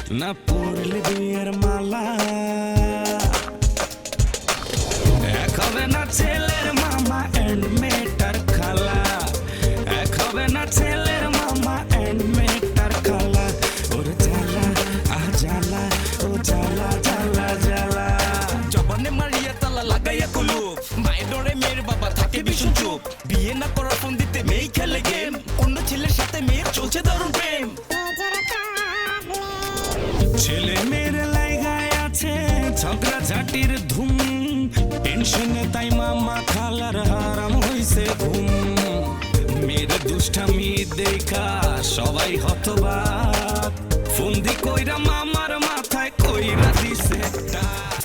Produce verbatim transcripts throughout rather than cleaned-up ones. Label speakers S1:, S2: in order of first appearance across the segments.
S1: না পড়লে বিয়ের মালা এক হবে না ছেলের মামা এন্ড মেটার খালা এক হবে না ছেলের মামা এন্ড মেটার খালা ওর জ্বালা আহ জ্বালা ও জ্বালা জ্বালা জ্বালা জবানে মারিয়া তালা লাগাইয়া কুলুপ মায়ের ডরে মেয়ের বাবা থাকে ভীষণ চুপ বিয়ে না করার ফোন দিতে মেয়ে খেলে গেম অন্য ছেলের সাথে মেয়ের চলছে দারুণ প্রেম ছেলে মেয়ের লাইগায় আছে ঝগড়া ঝাটির ধুম টেনশনে তাই মামা খালার হারাম হইছে ঘুম মেয়ের দুষ্টামি দেখা সবাই হতবাক ফন্দি কইরা মামার মাথায় কইরা দিছে একটা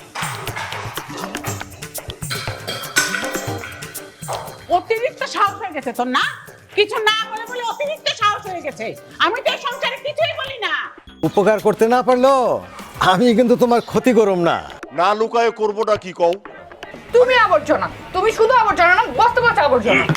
S2: অতিরিক্ত সাহস হয়ে গেছে তোর না কিছু না বলে বলে অতিরিক্ত সাহস হয়ে গেছে আমি তো এই সংসারে কিছুই বলি না
S3: উপকার করতে না পারলো আমি কিন্তু তোমার ক্ষতি করব না
S4: না লুকায় করবোটা কি কও
S5: তুমি আবর্জনা তুমি শুধু আবর্জনা না বস্তা বস্তা আবর্জনা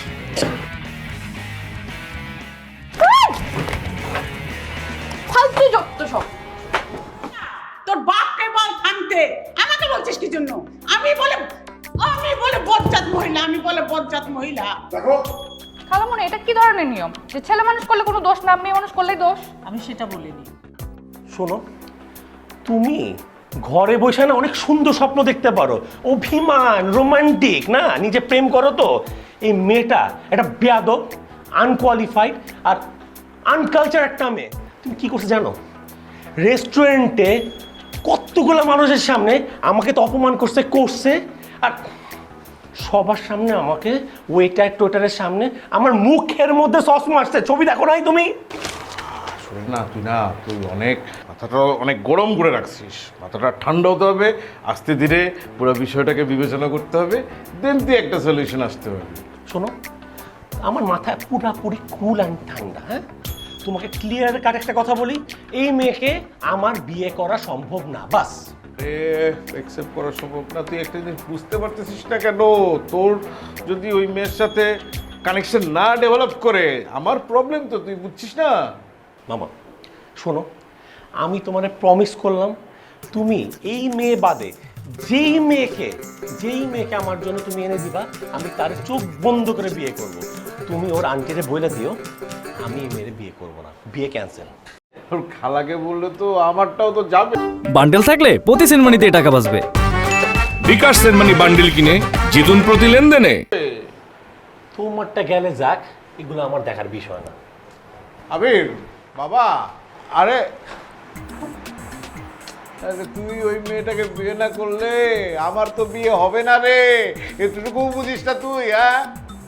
S5: ফালতু যত সব
S2: তোর বাপকে বল থামতে আমাকে বলছিস কি জন্য আমি বলে আমি বলে বজ্জাত মহিলা আমি বলে বজ্জাত মহিলা
S4: দেখো
S5: খালামণি এটা কি ধরনের নিয়ম যে ছেলে মানুষ করলে কোনো দোষ না মেয়ে মানুষ করলেই দোষ
S2: আমি সেটা বলিনি
S6: শোনো তুমি ঘরে বসে না অনেক সুন্দর স্বপ্ন দেখতে পারো অভিমান রোমান্টিক না নিজে প্রেম করো তো এই মেয়েটা একটা বেয়াদব আনকোয়ালিফাইড আর আনকালচার একটা মেয়ে তুমি কি করছো জানো রেস্টুরেন্টে কতগুলো মানুষের সামনে আমাকে তো অপমান করছে করছে আর সবার সামনে আমাকে ওয়েটার টোটারের সামনে আমার মুখের মধ্যে সস মারছে ছবি দেখো নাই তুমি
S4: না তুই না তুই অনেক মাথাটা অনেক গরম করে রাখছিস মাথাটা ঠান্ডা হতে হবে আস্তে ধীরে পুরো বিষয়টাকে বিবেচনা করতে হবে দেন তুই একটা সলিউশন আসতে হবে
S6: শোনো আমার মাথায় পুরাপুরি কুল অ্যান্ড ঠান্ডা হ্যাঁ তোমাকে ক্লিয়ার কাট একটা কথা বলি এই মেয়েকে আমার বিয়ে করা সম্ভব না বাস
S4: অ্যাকসেপ্ট করা সম্ভব না তুই একটা জিনিস বুঝতে পারতেছিস না কেন তোর যদি ওই মেয়ের সাথে কানেকশন না ডেভেলপ করে আমার প্রবলেম তো তুই বুঝছিস না
S6: মামা শোনো আমি তোমার প্রমিস করলাম তুমি এই মেয়ে বাদে যেই মেয়েকে যেই মেয়েকে আমার জন্য তুমি এনে দিবা আমি তার চোখ বন্ধ করে বিয়ে করব তুমি ওর আন্টিরে বলে দিও আমি এই মেয়ের বিয়ে করব না বিয়ে ক্যান্সেল
S4: তোর খালাকে বললে তো আমারটাও তো যাবে
S7: বান্ডেল থাকলে প্রতি সেনমানিতে টাকা বাঁচবে বিকাশ সেনমানি বান্ডেল কিনে জিতুন প্রতি লেনদেনে
S6: তোমারটা গেলে যাক এগুলো আমার দেখার বিষয় না
S4: আবির বাবা আরে আরে তুই ওই মেয়েটাকে বিয়ে না করলে আমার তো বিয়ে হবে না রে এতটুকু বুঝিস না তুই হ্যাঁ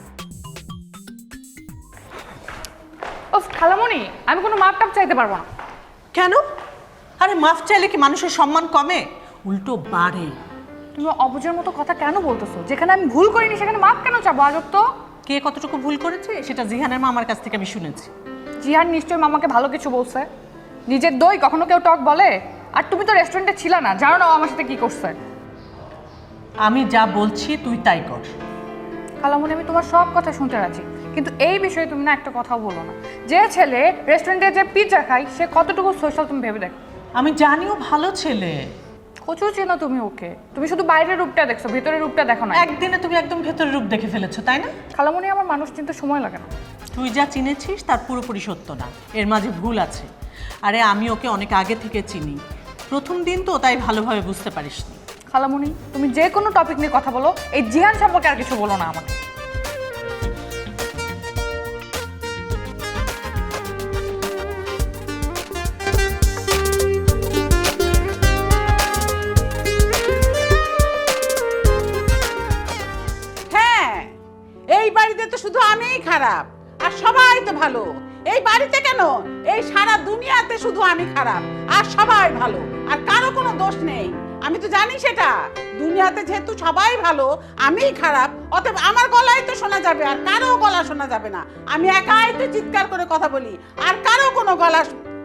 S5: ও খালামণি আমি কোনো মাপ টাপ চাইতে পারবো না
S2: কেন আরে মাফ চাইলে কি মানুষের সম্মান কমে উল্টো বাড়ে
S5: তুমি অবুঝের মতো কথা কেন বলতেছো যেখানে আমি ভুল করিনি সেখানে মাপ কেন চাবো আজব তো
S2: কে কতটুকু ভুল করেছে সেটা জিহানের মামার কাছ থেকে আমি শুনেছি
S5: জিহান নিশ্চয়ই মামাকে ভালো কিছু বলছে নিজের দই কখনো কেউ টক বলে আর তুমি তো রেস্টুরেন্টে ছিলে না জানো না ও আমার সাথে কি করছে
S2: আমি যা বলছি তুই তাই কর
S5: খালামণি আমি তোমার সব কথা শুনতে রাজি কিন্তু এই বিষয়ে তুমি না একটা কথাও বলো না যে ছেলে রেস্টুরেন্টে যে পিৎজা খায় সে কতটুকু সোশ্যাল তুমি ভেবে দেখো
S2: আমি জানিও ভালো ছেলে
S5: কচু চেনো তুমি ওকে তুমি শুধু বাইরের রূপটা দেখছো ভেতরের রূপটা দেখো না
S2: একদিনে তুমি একদম ভেতরের রূপ দেখে ফেলেছো তাই না
S5: খালামণি আমার মানুষ চিনতে সময় লাগে না
S2: তুই যা চিনেছিস তার পুরোপুরি সত্য না এর মাঝে ভুল আছে আরে আমি ওকে অনেক আগে থেকে চিনি প্রথম দিন তো তাই ভালোভাবে বুঝতে পারিসনি
S5: খালামণি তুমি যে কোনো টপিক নিয়ে কথা বলো এই জিহান সম্পর্কে আর কিছু বলো না আমাকে
S2: হ্যাঁ এই বাড়িতে তো শুধু আমিই খারাপ আর সবাই তো ভালো এই বাড়িতে কেন এই সারা দুনিয়াতে শুধু আমি খারাপ আর সবাই ভালো আর কারো কোনো দোষ নেই আমি তো জানি সেটা দুনিয়াতে যেহেতু সবাই ভালো আমিই খারাপ অতএব আমার গলায় তো শোনা যাবে আর কারো গলা শোনা যাবে না আমি একাই তো চিৎকার করে কথা বলি আর কারো কোনো গলা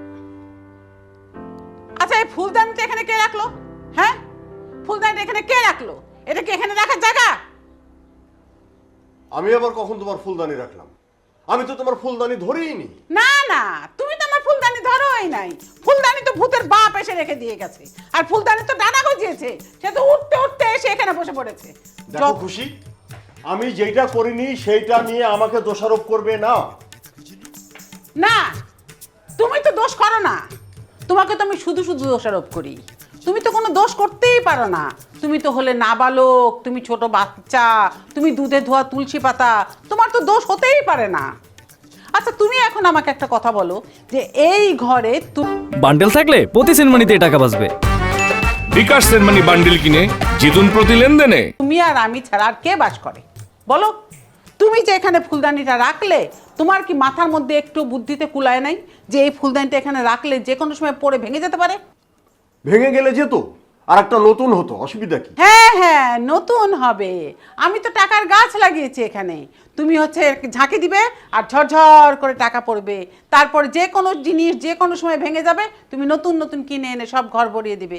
S2: আচ্ছা এই ফুলদানিটা এখানে কে রাখলো হ্যাঁ ফুলদানিটা এখানে কে রাখলো এটা কি এখানে রাখার জায়গা
S8: আমি আবার কখন তোমার ফুলদানি রাখলাম? আমি তো তোমার ফুলদানি ধরেই নি।
S2: না না তুমি তো আমার ফুলদানি ধরো হলোই নাই। ফুলদানি তো ভূতের বাপ এসে রেখে দিয়ে গেছে, আর ফুলদানি তো ডানা গজিয়েছে, সে তো উঠতে উঠতে এসে এখানে বসে পড়েছে।
S8: দেখো
S2: যত-
S8: খুশি, আমি যেটা করিনি সেইটা নিয়ে আমাকে দোষারোপ করবে না।
S2: না, তুমি তো দোষ করো না, তোমাকে তো আমি শুধু শুধু দোষারোপ করি। তুমি তো কোনো দোষ করতেই পারো না। তুমি তো হলে নাবালক, তুমি ছোট বাচ্চা, তুমি দুধে ধোয়া তুলসী পাতা, তোমার তো দোষ হতেই পারে না। আচ্ছা তুমি এখন আমাকে একটা কথা বলো, যে এই ঘরে তুমি
S7: বান্ডেল থাকলে প্রতি সেনমানিতে টাকা বাঁচবে। বিকাশ সেনমানি বান্ডেল কিনে জিতুন প্রতি লেনদেনে।
S2: তুমি আর আমি ছাড়া আর কে বাস করে বলো? তুমি যে এখানে ফুলদানিটা রাখলে, তোমার কি মাথার মধ্যে একটু বুদ্ধিতে কুলায় নাই যে এই ফুলদানিটা এখানে রাখলে যে কোনো সময় পড়ে ভেঙে যেতে পারে?
S8: ভেঙে গেলে যেত, আর একটা নতুন হতো, অসুবিধা কি?
S2: হ্যাঁ হ্যাঁ, নতুন হবে। আমি তো টাকার গাছ লাগিয়েছি এখানে। তুমি হচ্ছে ঝাঁকি দিবে আর ঝরঝর করে টাকা পড়বে, তারপর যে কোনো জিনিস যে কোনো সময় ভেঙে যাবে, তুমি নতুন নতুন কিনে এনে সব ঘর ভরিয়ে দিবে।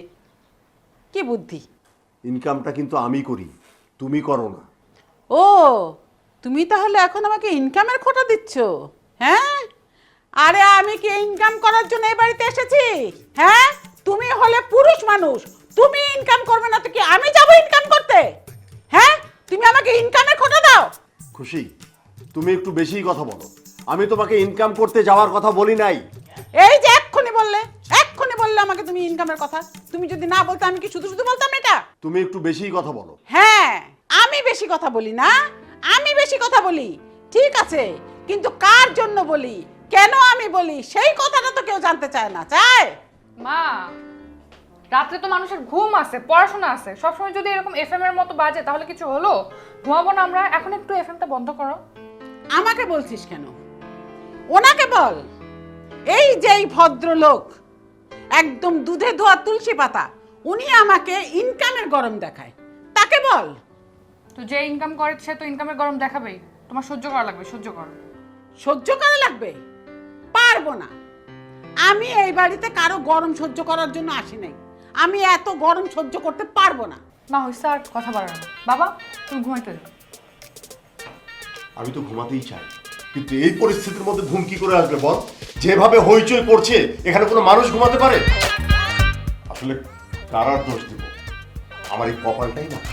S2: কি বুদ্ধি!
S8: ইনকামটা কিন্তু আমি করি, তুমি করো না।
S2: ও, তুমি তাহলে এখন আমাকে ইনকামের খোঁটা দিচ্ছ? হ্যাঁ, আরে আমি কি ইনকাম করার জন্য এই বাড়িতে এসেছি? হ্যাঁ, তুমি হলে পুরুষ মানুষ, তুমি ইনকাম করবে না তো কি আমি যাব ইনকাম করতে? হ্যাঁ, তুমি আমাকে ইনকামের খোঁটা দাও।
S8: খুশি, তুমি একটু বেশিই কথা বলো। আমি তোমাকে ইনকাম করতে যাওয়ার কথা বলি নাই।
S2: এই যে এক্ষুনি বললে, এক্ষুনি বললে আমাকে তুমি ইনকামের কথা। তুমি যদি না বলতে আমি কি শুধু শুধু বলতাম এটা?
S8: তুমি একটু বেশিই কথা বলো।
S2: হ্যাঁ, আমি বেশি কথা বলি না, আমি বেশি কথা বলি, ঠিক আছে, কিন্তু কার জন্য বলি, কেন আমি বলি, সেই কথাটা তো কেউ জানতে চায় না। চায়?
S5: মা, রাত্রে তো মানুষের ঘুম আছে, পড়াশোনা আছে, সবসময় যদি এরকম এফএম এর মতো বাজে তাহলে কিছু হলো? ঘুমাবো না আমরা? এখন একটু এফএমটা বন্ধ করো।
S2: আমাকে বলছিস কেন? ওনাকে বল। এই যে এই ভদ্রলোক, একদম দুধে ধোয়া তুলসী পাতা, উনি আমাকে ইনকামের গরম দেখায়, তাকে বল।
S5: তো যে ইনকাম করে সে তো ইনকামের গরম দেখাবেই, তোমার সহ্য করা লাগবে, সহ্য করো।
S2: সহ্য করা লাগবে? পারবো না। আমি এই বাড়িতে কারো গরম সহ্য করার জন্য আসি নাই। আমি এত গরম সহ্য করতে পারবো না।
S5: না হইছে, আর কথা বাড়ানো। বাবা তুমি ঘুমাইতে যাও।
S8: আমি তো ঘুমাতেই চাই, কিন্তু এই পরিস্থিতির মধ্যে ঘুম কি করে আসবে বল? যেভাবে হইচই করছে, এখানে কোনো মানুষ ঘুমাতে পারে? আসলে কার আর দোষ দিব? আমার এই কপালটাই না।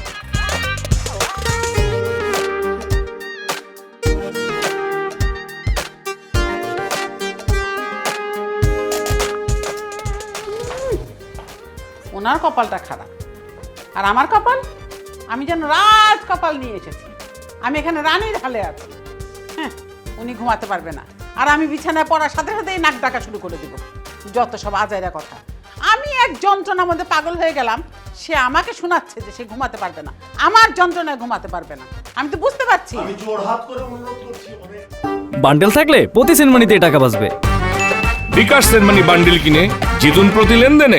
S2: ওনার কপালটা খারাপ, আর আমার কপাল, আমি যেন রাজ কপাল নিয়ে এসেছি। আমি এখানে রানীর হালে আছি। হ্যাঁ, উনি ঘুমাতে পারবে না, আর আমি বিছানায় পড়ার সাথে সাথেই নাক ডাকা শুরু করে দিব। যত সব আজাইরা কথা। আমি এক যন্ত্রণার মধ্যে পাগল হয়ে গেলাম, সে আমাকে শোনাচ্ছে যে সে ঘুমাতে পারবে না, আমার যন্ত্রণায় ঘুমাতে পারবে না। আমি তো বুঝতে পারছি।
S8: আমি জোর হাত করে অনুরোধ করছি অনেক।
S7: বান্ডেল থাকলে প্রতি সেনমানিতে টাকা বাঁচবে। বিকাশ সেনমানি বান্ডেল কিনে জিতুন প্রতি লেনদেনে।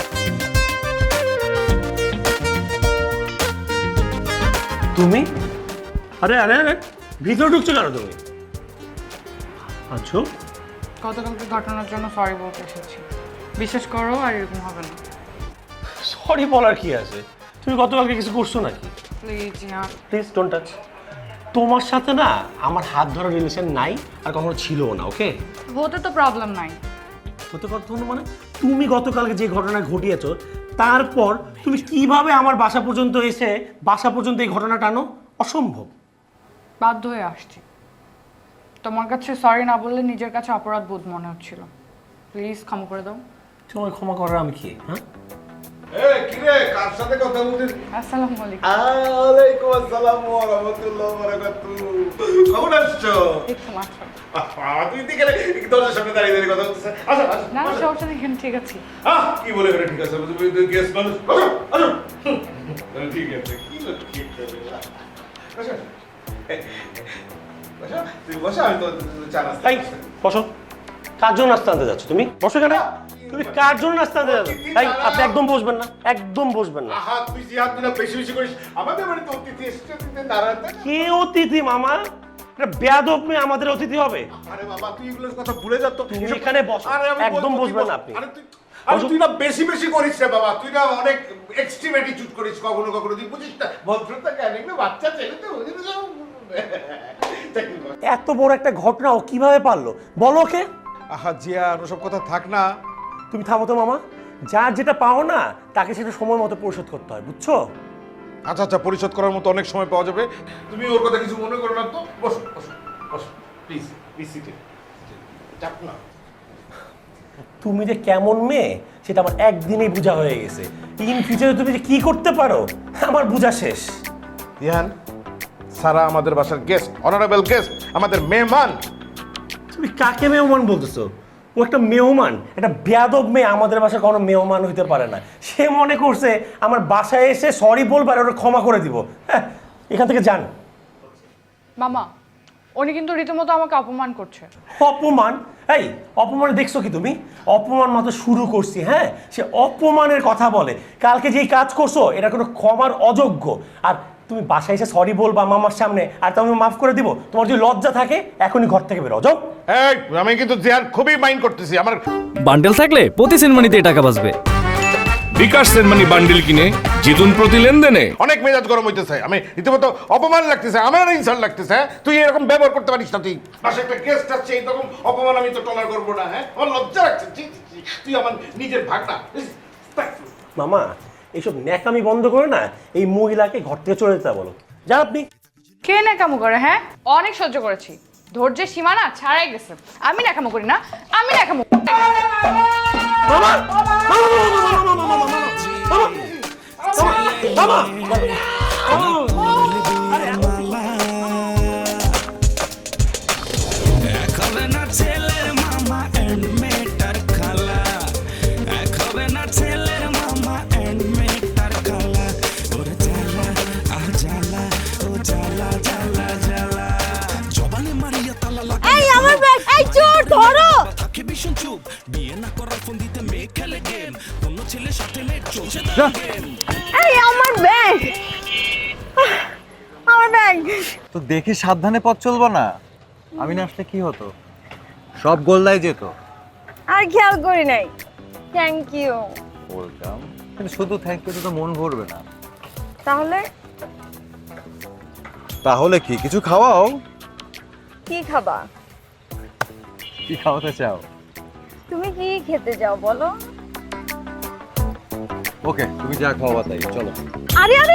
S6: তুমি? আরে আরে আরে, ভিতরে ঢুকছো কেন তুমি? আচ্ছা,
S5: গতকালকে ঘটনার জন্য সরি বলতে এসেছি, বিশ্বাস করো আর এরকম হবে না।
S6: সরি বলার কি আছে? তুমি গতকালকে কিছু করছো নাকি?
S5: প্লিজ ইয়ার।
S6: Please don't touch. তোমার সাথে না আমার হাত ধরার রিলেশন নাই, আর কখনো ছিলও না, ওকে?
S5: হতে তো প্রবলেম নাই।
S6: হতে কথা মানে তুমি গতকালকে যে ঘটনা ঘটিয়েছো, তারপর তুমি কিভাবে আমার বাসা পর্যন্ত এসে বাসা পর্যন্ত এই ঘটনা টানো? অসম্ভব।
S5: বাধ্য হয়ে আসছি। তোমার কাছে সরি না বললে নিজের কাছে অপরাধ বোধ মনে হচ্ছিল। প্লিজ ক্ষমা করে দাও।
S6: তোমায় ক্ষমা করার আমি কি? হ্যাঁ,
S4: এই কি রে, কার সাথে কথা বলছিস?
S5: আসসালামু আলাইকুম।
S4: ওয়ালাইকুম আসসালাম ওয়া রাহমাতুল্লাহি ওয়া বারাকাতুহু। কেমন আছো?
S5: একটু মাত্র।
S4: আহ, তুই দিকে গেলে দরজার সামনে দাঁড়িয়ে দাঁড়িয়ে কথা বলছিস। আসো আসো।
S5: না না, সমস্যা নেই, এখানে ঠিক আছে।
S4: আহ, কি বলে গেলে ঠিক আছে, তুই তুই গেস্ট মানুষ। আসো আসো। হুম, ঠিক আছে, কি বলে ঠিক আছে। আসো। বসো, তুই বসো, আমি তো চা নাস্তা
S6: এই বসো। কার জন্য নাস্তা আনতে যাচ্ছ তুমি? বসো কেন? তুমি কার জন্য নাস্তা আনতে যাচ্ছ? এই আপনি একদম বসবেন না, একদম বসবেন না।
S4: আহা, তুই জিহাদ দিনা বেশি বেশি করিস। আমাদের বাড়িতে অতিথি এসেছে, তুই দাঁড়াতে।
S6: কে অতিথি মামা? এটা বেয়াদব মেয়ে আমাদের অতিথি হবে?
S4: আরে বাবা, তুই এগুলোর কথা ভুলে যা তো।
S6: তুমি এখানে বসো।
S4: আরে আমি
S6: একদম
S4: বলবো, তুই
S6: বসবেন
S4: বস।
S6: না আপনি।
S4: আরে তুই আরে তুই না বেশি বেশি করিস রে বাবা, তুই না অনেক এক্সট্রিম অ্যাটিটিউড করিস কখনো কখনো, তুই বুঝিস না ভদ্রতা কেন, এগুলো বাচ্চা ছেলে তো বুঝিস না।
S6: এত বড় একটা ঘটনা ও কিভাবে পারলো বলো? ওকে
S4: আহা জিয়ান ওসব কথা থাক না।
S6: তুমি থামো তো মামা, যার যেটা পাও না তাকে সেটা সময় মতো পরিশোধ করতে হয়, বুঝছো?
S4: আচ্ছা আচ্ছা, পরিশোধ করার মতো অনেক সময় পাওয়া যাবে। তুমি ওর কথা কিছু মনে করো না তো। বসো বসো বসো প্লিজ প্লিজ সিটে। চাপ না।
S6: তুমি যে কেমন মেয়ে সেটা আমার একদিনেই বোঝা হয়ে গেছে। ইন ফিউচারে তুমি যে কি করতে পারো আমার বোঝা শেষ।
S4: জিয়ান, সারা আমাদের বাসার গেস্ট, অনারেবল গেস্ট, আমাদের মেহমান।
S6: তুমি কাকে মেহমান বলতেছো? ও একটা মেহমান, একটা বেয়াদব মেয়ে আমাদের বাসায় কোনো মেহমান হইতে পারে না। সে মনে করছে আমার বাসায় এসে সরি বলবার ওরা ক্ষমা করে দিব। হ্যাঁ, এখান থেকে যান।
S5: মামা, উনি কিন্তু রীতিমতো আমাকে অপমান করছে।
S6: অপমান? এই অপমান দেখছো কি তুমি? অপমান মাত্র শুরু করছি। হ্যাঁ, সে অপমানের কথা বলে। কালকে যেই কাজ করছো এটা কোনো ক্ষমার অযোগ্য। আর তুমি বাসায় এসে সরি বলবা মামার সামনে, আর তুমি মাফ করে দিব? তোমার যদি লজ্জা থাকে এখনই ঘর থেকে বেরো যাও।
S4: এই আমি কিন্তু জিয়ান খুবই মাইন্ড করতেছি। আমার
S7: বান্ডেল থাকলে প্রতি সেনমানিতে টাকা বাঁচবে। বিকাশ সেনমানি বান্ডেল কিনে জিতুন প্রতি লেনদেনে।
S4: অনেক মেজাজ গরম হইতেছে, আমি রীতিমতো অপমান লাগতেছে, আমার ইনসাল্ট লাগতেছে। হ্যাঁ, তুই এরকম ব্যবহার করতে পারিস না। তুই বাসায় একটা গেস্ট আসছে, এইরকম অপমান আমি তো টলার করবো না। হ্যাঁ, আমার লজ্জা লাগছে। ছি, ছি, ছি, তুই আমার নিজের ভাগনা।
S6: মামা, এইসব ন্যাকামি বন্ধ করে না এই মহিলাকে ঘর থেকে চলে যেতে বলো। যা আপনি।
S5: কে ন্যাকামো করে? হ্যাঁ, অনেক সহ্য করেছি, ধৈর্যের সীমা না ছাড়াই গেছে। আমি ন্যাকামো করি না, আমি ন্যাকামো করি।
S6: মামা, মামা, মামা, মামা,
S1: এক হবে না ছেলের মামা এন্ড মেয়েটার খালা, এক হবে না ছেলের মামা এন্ড মেয়েটার খালা। ওরে জ্বালা আহ জ্বালা, ও জ্বালা জ্বালা জ্বালা, জবানে মারিয়া তালা লাগা।
S9: এই আমার ব্যাগ, এই চোর ধরো।
S1: থাকে ভীষণ চুপ, বিয়ে না করার ফোন দিতে মেয়ে খেলে গেম, অন্য ছেলের সাথে মেয়ে চলছে গেম।
S9: এই আমার ব্যাগ, আমার ব্যাগ।
S3: তো দেখে সাবধানে পথ চলবো না? আমি না আসলে কি হতো, সব গোল্লাই যেত।
S9: আর খেয়াল করি নাই। Thank you.
S3: বলতাম, কিন্তু শুধু থ্যাংক ইউ তো মন ভরবে না।
S9: তাহলে
S3: তাহলে কি কিছু খাওয়াও?
S9: কি খাবা?
S3: কি খাওয়াতে চাও?
S9: তুমি কি খেতে যাও বলো?
S3: ওকে, তুমি যা খাওয়াবা তাই, চলো।
S9: আরে আরে,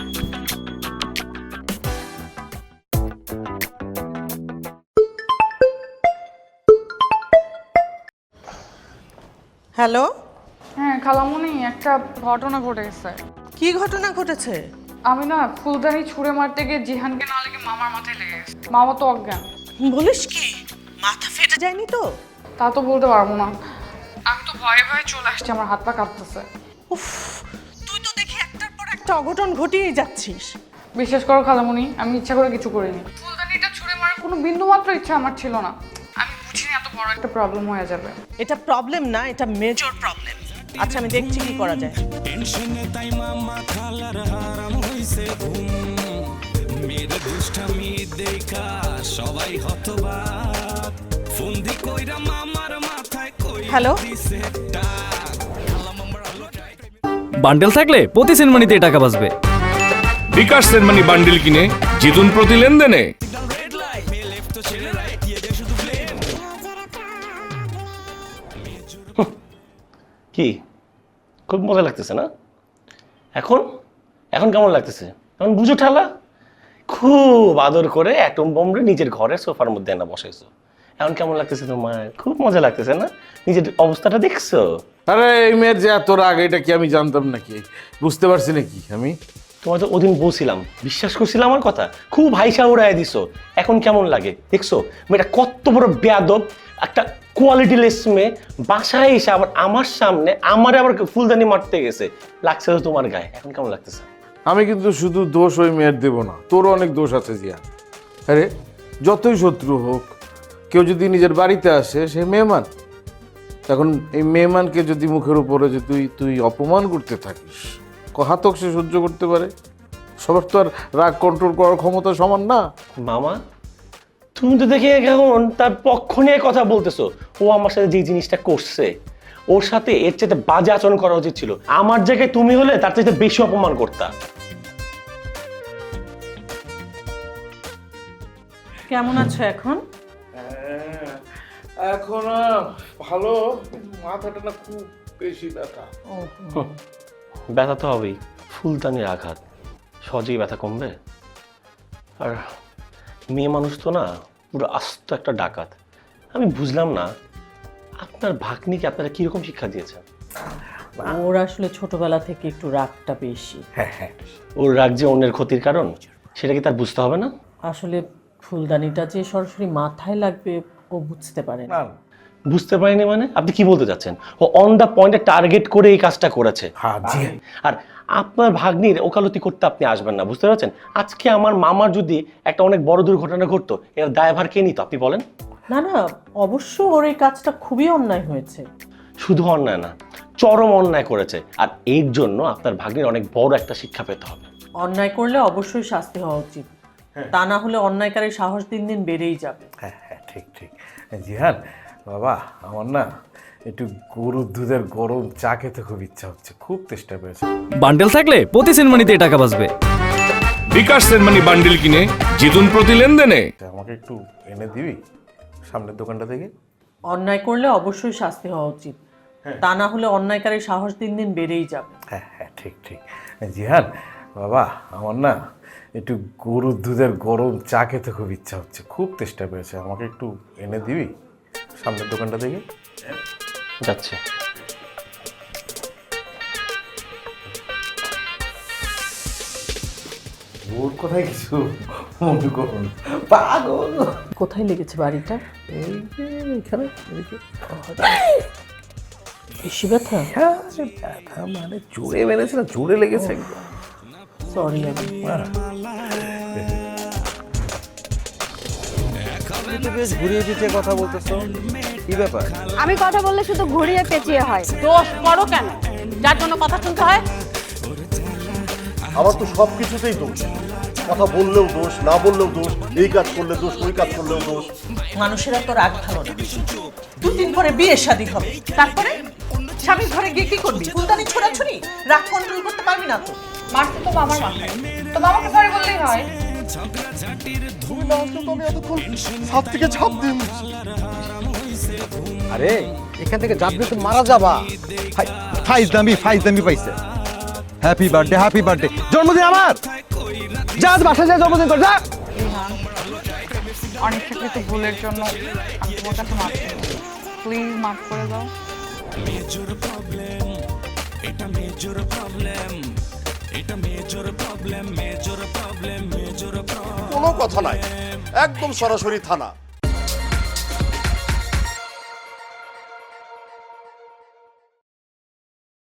S2: হ্যালো,
S5: হ্যাঁ খালামুনি, একটা ঘটনা ঘটে গেছে।
S2: কি ঘটনা ঘটেছে?
S5: আমি না ফুলদানি ছুঁড়ে মারতে গিয়ে জিহানকে না লেগে মামার মাথায় লেগে গেছে। মামা তো অজ্ঞান।
S2: বলিস কি? মাথা ফেটে যায়নি তো?
S5: তা তো বলতে পারবো না, আমি তো ভয়ে ভয়ে চলে আসছি, আমার হাত পা কাঁপতেছে।
S2: উফ, তুই তো দেখি একটার পর একটা অঘটন ঘটিয়ে যাচ্ছিস।
S5: বিশ্বাস করো খালামুনি, আমি ইচ্ছা করে কিছু করিনি। ফুলদানিটা ছুঁড়ে মারার কোনো বিন্দু মাত্র ইচ্ছা আমার ছিল না। আমি বুঝিনি এত বড় একটা প্রবলেম হয়ে যাবে।
S2: এটা প্রবলেম না, এটা মেজর প্রবলেম। আচ্ছা, আমি দেখছি কি করা যায়।
S1: টেনশনে তাই মামা খালার হারাম হইছে ঘুম, মেয়ের দুষ্টামি দেখা সবাই হতবাক, ফন্দি কইরা মামার মাথায় কই
S2: হ্যালো?
S1: দিছে টাক। খালা মামার আলো টাই
S7: বান্ডেল থাকলে প্রতি সেনমানিতে টাকা বাঁচবে। বিকাশ সেনমানি বান্ডেল কিনে জিতুন প্রতি লেনদেনে।
S1: রেড লাইট মে লেফট তো ছেড়ে রাইট দিয়ে দে শুধু ব্লেম।
S6: কি খুব মজা লাগতেছে না? এখন এখন কেমন লাগতেছে? এখন বুঝো ঠালা, খুব আদর করে অ্যাটম বোমরে নিজের ঘরের সোফার মধ্যে এনে বসাইছো। এখন কেমন লাগতেছে তোমার? খুব মজা লাগতেছে না? নিজের অবস্থাটা দেখছো?
S4: আরে এই মেয়ের যে এত রাগ, এটা কি আমি জানতাম নাকি? বুঝতে পারছি নাকি আমি?
S6: তোমার তো ওদিন বলছিলাম, বিশ্বাস করছিলাম আমার কথা, খুব হাইসা উড়াই দিছো। এখন কেমন লাগে দেখছো? মেয়েটা কত বড় বেয়াদব, একটা কোয়ালিটি লেস মেয়ে, বাসায় এসে আবার আমার সামনে আমারে আবার ফুলদানি মারতে গেছে। লাগছে তো তোমার গায়ে, এখন কেমন লাগতেছে?
S4: আমি কিন্তু শুধু দোষ ওই মেয়ের দেবো না, তোরও অনেক দোষ আছে জিয়া। আরে যতই শত্রু হোক, কেউ যদি নিজের বাড়িতে আসে সে মেহমান। এখন এই মেহমানকে যদি মুখের উপরে যে তুই তুই অপমান করতে থাকিস, কহাতক সে সহ্য করতে পারে? সবার তো আর রাগ কন্ট্রোল করার ক্ষমতা সমান না।
S6: মামা, তুমি তো দেখে এখন তার পক্ষ নিয়ে কথা বলতেছো। ও আমার সাথে যে জিনিসটা করছে, ওর সাথে এর চাইতে বাজে আচরণ করা উচিত ছিল। আমার জায়গায় তুমি হলে তার চাইতে বেশি অপমান করতা।
S2: কেমন আছো এখন?
S4: এখন ভালো, মাথাটা না খুব বেশি ব্যথা।
S6: ব্যথা তো হবেই, ফুলদানির আঘাত, সহজেই ব্যথা কমবে? আর মেয়ে মানুষ তো না পুরো আস্ত একটা ডাকাত। আমি বুঝলাম না আপনার ভাগ্নিকে আপনারা কিরকম শিক্ষা দিয়েছেন?
S10: ওর আসলে ছোটবেলা থেকে একটু রাগটা বেশি।
S4: হ্যাঁ হ্যাঁ,
S6: ওর রাগ যে অন্যের ক্ষতির কারণ সেটা কি তার বুঝতে হবে না?
S10: আসলে ফুলদানিটা যে সরাসরি মাথায় লাগবে ও বুঝতে পারে না।
S6: বুঝতে পারিনি মানে? আপনি কি বলতে চাচ্ছেন? ও অন দ্য পয়েন্টে টার্গেট করে এই কাজটা করেছে।
S4: হ্যাঁ জি।
S6: আর আপনার ভাগ্নির ওকালতি করতে আপনি আসবেন না, বুঝতে পারছেন? আজকে আমার মামার যদি একটা অনেক বড় দুর্ঘটনা ঘটতো, এর দায়ভার কে নিত আপনি বলেন?
S10: না না, অবশ্য ওর এই কাজটা খুবই অন্যায় হয়েছে।
S6: শুধু অন্যায় না, চরম অন্যায় করেছে। আর এর জন্য আপনার ভাগ্নির অনেক বড় একটা শিক্ষা পেতে হবে।
S10: অন্যায় করলে অবশ্যই শাস্তি হওয়া উচিত, তা না হলে অন্যায়কারীর সাহস দিন দিন বেড়েই যাবে।
S4: হ্যাঁ হ্যাঁ, ঠিক ঠিক। জিহান বাবা, আমার না একটু গরুর দুধের গরম চা খেতে খুব ইচ্ছা হচ্ছে, খুব চেষ্টা করেছে।
S7: বান্ডেল থাকলে প্রতি সেনমানিতে টাকা বাঁচবে। বিকাশ সেনমানি বান্ডেল কিনে জিতুন প্রতি লেনদেনে।
S4: আমাকে একটু এনে দিবি সামনের দোকানটা থেকে?
S10: অন্যায় করলে অবশ্যই শাস্তি হওয়া উচিত, তা না হলে অন্যায়কারীর সাহস দিন দিন বেড়েই যাবে।
S4: হ্যাঁ হ্যাঁ, ঠিক ঠিক। জিহান বাবা, আমার না একটু গরুর দুধের গরম চা খেতে খুব ইচ্ছা হচ্ছে, খুব চেষ্টা করেছে। আমাকে একটু এনে দিবি সামনের দোকানটা থেকে?
S6: যাচ্ছে।
S4: ওর কোথায় কিছু মনে করুন, পাগল।
S10: কোথায় লেগেছে বাড়িটা?
S4: এই যে এখানে, এদিকে।
S10: বেশি ব্যথা?
S4: হ্যাঁ, ব্যথা মানে জোরে মেরেছে না, জোরে লেগেছে একদম।
S10: সরি আমি।
S3: তুমি তো বেশ ঘুরিয়ে পিছিয়ে কথা বলতেছো, কি ব্যাপার?
S9: আমি কথা বললে শুধু ঘুরিয়ে পেঁচিয়ে হয়।
S2: দোষ করো কেন যার জন্য কথা শুনতে হয়?
S8: আমার তো সব কিছুতেই দোষ, কথা বললেও দোষ, না বললেও দোষ, এই কাজ করলে দোষ, ওই কাজ করলেও দোষ।
S10: মানুষের এত রাগ ভালো না। দুদিন পরে বিয়ের শাদী হবে, তারপরে স্বামীর ঘরে গিয়ে কি করবি? ফুলদানি ছোড়াছুড়ি? রাগ কন্ট্রোল করতে পারবি না তো?
S5: মারতে তো মামার মাথায়, তো মামাকে সরি বললেই হয়।
S8: তুমি না আসলে তো আমি এতক্ষণ ছাদ থেকে ঝাঁপ দিন।
S3: আরে এখান থেকে যাবে তো মারা যাবা। ফাইজ দামি ফাইজ দামি পাইছে। Happy birthday, happy birthday. জন্মদিন আমার, যা বাসা যা, জন্মদিন কর যা।
S5: অনিচ্ছাকৃত ভুলের জন্য আমি তোমার কাছে মাফ চাই, প্লিজ মাফ করে দাও।
S1: মেজর প্রবলেম, এটা মেজর প্রবলেম, এটা major problem, major problem, major problem.
S8: কোনো কথা নাই, একদম সরাসরি থানা।